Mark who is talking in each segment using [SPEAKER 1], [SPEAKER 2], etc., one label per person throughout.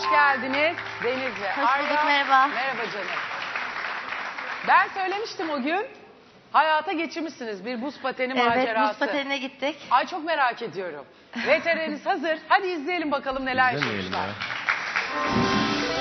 [SPEAKER 1] geldiniz Deniz ve
[SPEAKER 2] Hoş bulduk,
[SPEAKER 1] Arya.
[SPEAKER 2] merhaba.
[SPEAKER 1] Merhaba canım. Ben söylemiştim o gün. Hayata geçirmişsiniz bir buz pateni macerası.
[SPEAKER 2] Evet, buz patenine gittik.
[SPEAKER 1] Ay çok merak ediyorum. VTR'niz hazır. Hadi izleyelim bakalım neler
[SPEAKER 3] İzlemeyelim
[SPEAKER 1] yaşamışlar.
[SPEAKER 3] ya.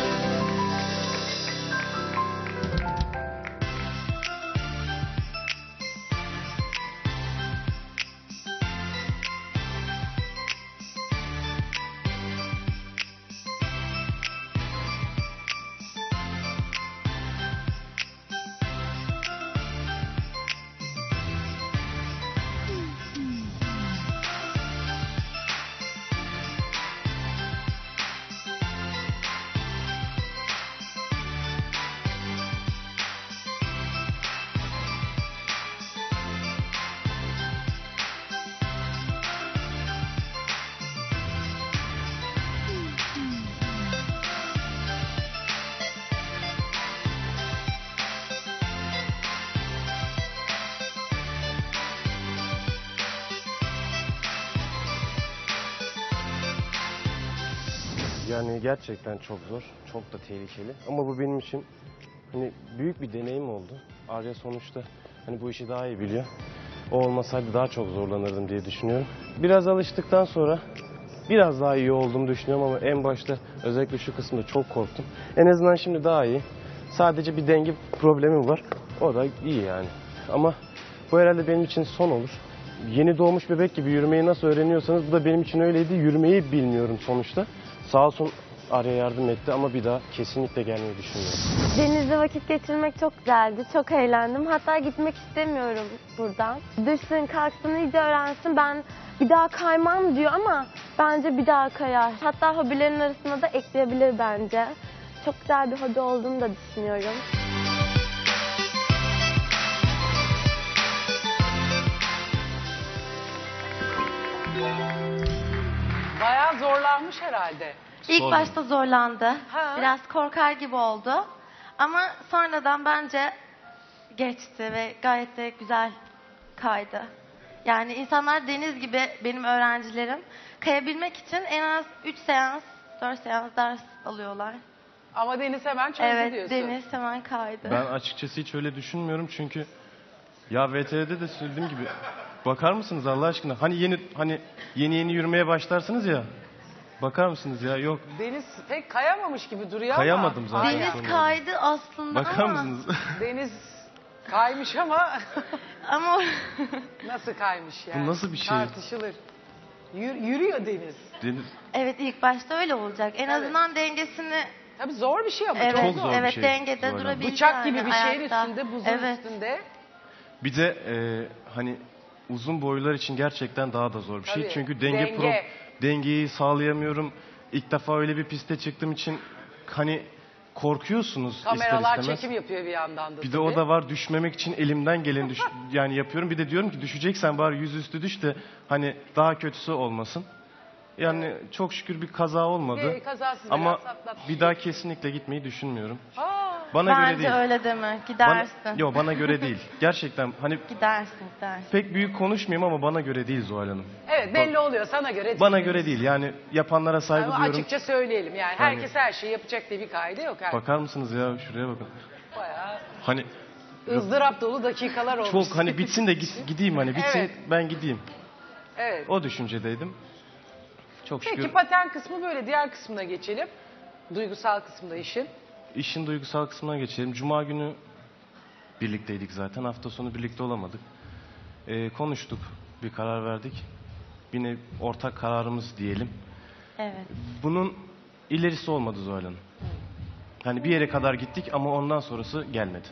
[SPEAKER 3] Yani gerçekten çok zor, çok da tehlikeli. Ama bu benim için hani büyük bir deneyim oldu. Arya sonuçta hani bu işi daha iyi biliyor. O olmasaydı daha çok zorlanırdım diye düşünüyorum. Biraz alıştıktan sonra biraz daha iyi olduğumu düşünüyorum ama en başta özellikle şu kısımda çok korktum. En azından şimdi daha iyi. Sadece bir denge problemi var. O da iyi yani. Ama bu herhalde benim için son olur. Yeni doğmuş bebek gibi yürümeyi nasıl öğreniyorsanız bu da benim için öyleydi. Yürümeyi bilmiyorum sonuçta. Sağ olsun Arya yardım etti ama bir daha kesinlikle gelmeyi düşünmüyorum.
[SPEAKER 4] Denizde vakit geçirmek çok güzeldi. Çok eğlendim. Hatta gitmek istemiyorum buradan. Düşsün, kalksın, iyice öğrensin. Ben bir daha kaymam diyor ama bence bir daha kayar. Hatta hobilerin arasına da ekleyebilir bence. Çok güzel bir hobi olduğunu da düşünüyorum.
[SPEAKER 1] Bayağı zorlanmış herhalde.
[SPEAKER 2] İlk
[SPEAKER 3] Sorun.
[SPEAKER 2] başta zorlandı.
[SPEAKER 1] Ha.
[SPEAKER 2] Biraz korkar gibi oldu. Ama sonradan bence geçti ve gayet de güzel kaydı. Yani insanlar Deniz gibi benim öğrencilerim kayabilmek için en az 3 seans, 4 seans ders alıyorlar.
[SPEAKER 1] Ama Deniz hemen çözdü
[SPEAKER 2] Evet,
[SPEAKER 1] diyorsun.
[SPEAKER 2] Deniz hemen kaydı.
[SPEAKER 3] Ben açıkçası hiç öyle düşünmüyorum çünkü ya VTR'de de söylediğim gibi bakar mısınız Allah aşkına? Hani yeni yürümeye başlarsınız ya. Bakar mısınız ya? Yok.
[SPEAKER 1] Deniz pek kayamamış gibi duruyor
[SPEAKER 3] Kayamadım
[SPEAKER 1] ama.
[SPEAKER 3] zaten.
[SPEAKER 1] Aynen.
[SPEAKER 2] Deniz kaydı aslında
[SPEAKER 3] Bakar
[SPEAKER 2] ama...
[SPEAKER 3] mısınız?
[SPEAKER 1] Deniz kaymış ama
[SPEAKER 2] Ama
[SPEAKER 1] nasıl kaymış yani?
[SPEAKER 3] Bu nasıl bir şey?
[SPEAKER 1] Tartışılır. Yürüyor Deniz.
[SPEAKER 3] Deniz
[SPEAKER 2] evet, ilk başta öyle olacak. En
[SPEAKER 1] Evet.
[SPEAKER 2] azından dengesini
[SPEAKER 1] Tabii zor bir şey ama
[SPEAKER 2] evet,
[SPEAKER 3] çok zor bir
[SPEAKER 2] evet
[SPEAKER 3] şey.
[SPEAKER 2] dengede
[SPEAKER 3] Zor.
[SPEAKER 2] durabilir.
[SPEAKER 1] bıçak gibi bir şeyin
[SPEAKER 2] ayakta.
[SPEAKER 1] üstünde, buzun
[SPEAKER 2] Evet.
[SPEAKER 1] üstünde.
[SPEAKER 3] bir de hani uzun boylar için gerçekten daha da zor bir şey.
[SPEAKER 1] Tabii,
[SPEAKER 3] Çünkü
[SPEAKER 1] denge.
[SPEAKER 3] dengeyi sağlayamıyorum. İlk defa öyle bir piste çıktığım için hani korkuyorsunuz
[SPEAKER 1] Kameralar
[SPEAKER 3] ister istemez.
[SPEAKER 1] çekim yapıyor bir yandan da.
[SPEAKER 3] Bir de o da var, düşmemek için elimden geleni yani yapıyorum. Bir de diyorum ki düşeceksen bari yüzüstü düş de hani daha kötüsü olmasın. Yani çok şükür bir kaza olmadı.
[SPEAKER 1] Bir kazasız
[SPEAKER 3] Ama
[SPEAKER 1] belasız atlatmış.
[SPEAKER 3] bir daha kesinlikle gitmeyi düşünmüyorum.
[SPEAKER 1] Aa,
[SPEAKER 3] Bana göre
[SPEAKER 2] Bence
[SPEAKER 3] değil.
[SPEAKER 2] öyle deme.
[SPEAKER 3] Bana,
[SPEAKER 2] Gidersin.
[SPEAKER 3] yo bana göre değil. Gerçekten hani
[SPEAKER 2] Gidersin.
[SPEAKER 3] pek büyük konuşmayayım ama bana göre değil Zuhal Hanım.
[SPEAKER 1] evet belli oluyor sana göre değil.
[SPEAKER 3] Bana göre değil. Yani yapanlara saygı
[SPEAKER 1] Ama
[SPEAKER 3] duyuyorum.
[SPEAKER 1] açıkça söyleyelim yani. Herkes her şeyi yapacak diye bir kaide yok. Herkes
[SPEAKER 3] Bakar mısınız ya şuraya bakın.
[SPEAKER 1] bayağı
[SPEAKER 3] Hani
[SPEAKER 1] ızdırap dolu dakikalar olmuş.
[SPEAKER 3] çok hani bitsin de gideyim hani bitsin
[SPEAKER 1] Evet.
[SPEAKER 3] ben gideyim.
[SPEAKER 1] Evet.
[SPEAKER 3] O düşüncedeydim. Çok şükür.
[SPEAKER 1] Peki paten kısmı böyle. Diğer kısmına geçelim. Duygusal kısmında işin.
[SPEAKER 3] İşin duygusal kısmına geçelim. Cuma günü birlikteydik zaten. Hafta sonu birlikte olamadık. Konuştuk. Bir karar verdik. Yine ortak kararımız diyelim.
[SPEAKER 2] Evet.
[SPEAKER 3] Bunun ilerisi olmadı Zuhal Hanım. Hani bir yere kadar gittik ama ondan sonrası gelmedi.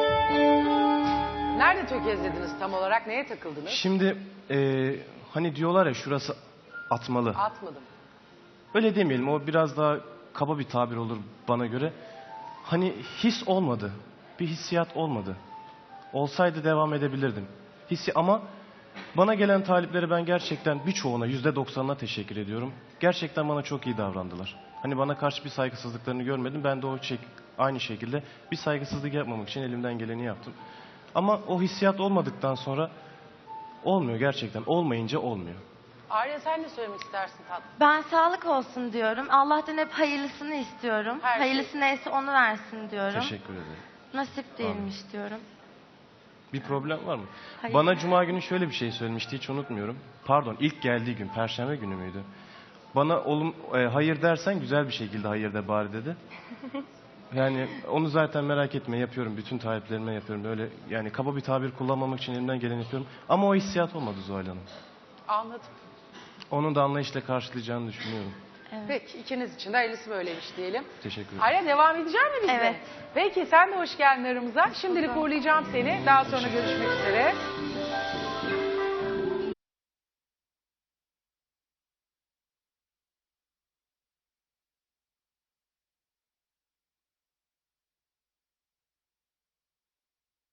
[SPEAKER 1] Nerede tökezlediniz tam olarak? Neye takıldınız?
[SPEAKER 3] Şimdi hani diyorlar ya şurası atmalı.
[SPEAKER 1] Atmadım.
[SPEAKER 3] Öyle demeyelim. O biraz daha kaba bir tabir olur bana göre. Hani his olmadı. Bir hissiyat olmadı. Olsaydı devam edebilirdim. Ama bana gelen taliplere ben gerçekten birçoğuna %90'ına teşekkür ediyorum. Gerçekten bana çok iyi davrandılar. Hani bana karşı bir saygısızlıklarını görmedim. Ben de aynı şekilde bir saygısızlık yapmamak için elimden geleni yaptım. Ama o hissiyat olmadıktan sonra olmuyor gerçekten. Olmayınca olmuyor.
[SPEAKER 1] Arya sen ne söylemek istersin tatlım?
[SPEAKER 2] Ben sağlık olsun diyorum. Allah'tan hep hayırlısını istiyorum.
[SPEAKER 1] Her şey.
[SPEAKER 2] Hayırlısı neyse onu versin diyorum.
[SPEAKER 3] Teşekkür ederim.
[SPEAKER 2] Nasip değilmiş diyorum.
[SPEAKER 3] Bir problem var mı?
[SPEAKER 2] Hayır.
[SPEAKER 3] Bana Cuma günü şöyle bir şey söylemişti, hiç unutmuyorum. Pardon, ilk geldiği gün, Perşembe günü müydü? Bana hayır dersen güzel bir şekilde hayır de bari dedi. Yani onu zaten merak etme, yapıyorum. Bütün taleplerime yapıyorum. Öyle yani kaba bir tabir kullanmamak için elimden geleni yapıyorum. Ama o hissiyat olmadı Zuhal Hanım.
[SPEAKER 1] Anladım.
[SPEAKER 3] Onun da anlayışla karşılayacağını düşünüyorum.
[SPEAKER 1] Peki ikiniz için de hayırlısı böyleymiş diyelim.
[SPEAKER 3] Teşekkür ederim.
[SPEAKER 1] Arya devam edecek mi bizde?
[SPEAKER 2] Evet.
[SPEAKER 1] Peki sen de hoş geldin aramıza. Şimdilik uğurlayacağım seni. Daha sonra görüşmek üzere.